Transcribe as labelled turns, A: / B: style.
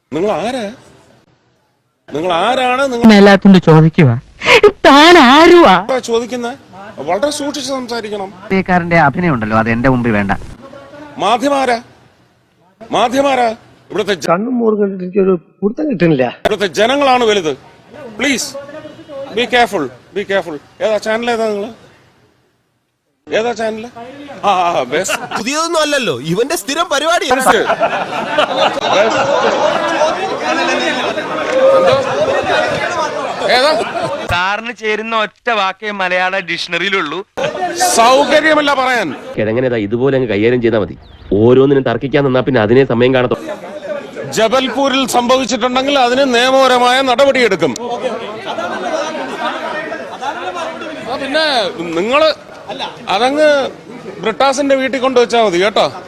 A: നിങ്ങൾ ആരാ? നിങ്ങൾ ആരാണ്?
B: എല്ലാത്തിന്റെ ചോദിക്കുക താൻ ആരുവാ
A: ചോദിക്കുന്നത്? വളരെ സൂക്ഷിച്ച് സംസാരിക്കണം.
B: അഭിനയം ഉണ്ടല്ലോ, അത് എന്റെ മുമ്പിൽ വേണ്ട.
A: മാധ്യമാരാ ഇവിടുത്തെ
C: കണ്ണും മോറും കണ്ടിട്ട് ഒരു പിടുത്തം കിട്ടുന്നില്ല.
A: ഇവിടുത്തെ ജനങ്ങളാണ് വലുത്. Please be careful. ഏതാ ചാനൽ? ഏതാ ചാനല്?
D: പുതിയതൊന്നും അല്ലല്ലോ, ഇവന്റെ സ്ഥിരം പരിപാടി.
E: സാറിന് ചേരുന്ന ഒറ്റ വാക്കേ മലയാള ഡിക്ഷണറിയിലുള്ളൂ.
A: സൗകര്യമല്ല പറയാൻ.
F: കിഴങ്ങനെ ഇതുപോലെ അങ്ങ് കൈകാര്യം ചെയ്താൽ മതി. ഓരോന്നിനും തർക്കിക്കാൻ നിന്നാ പിന്നെ അതിനെ സമയം കാണത്തോ.
A: ജബൽപൂരിൽ സംഭവിച്ചിട്ടുണ്ടെങ്കിൽ അതിന് നിയമപരമായ നടപടിയെടുക്കും. പിന്നെ നിങ്ങള് അതങ്ങ് ബ്രിട്ടാസിന്റെ വീട്ടിൽ കൊണ്ടുവച്ചാൽ മതി കേട്ടോ.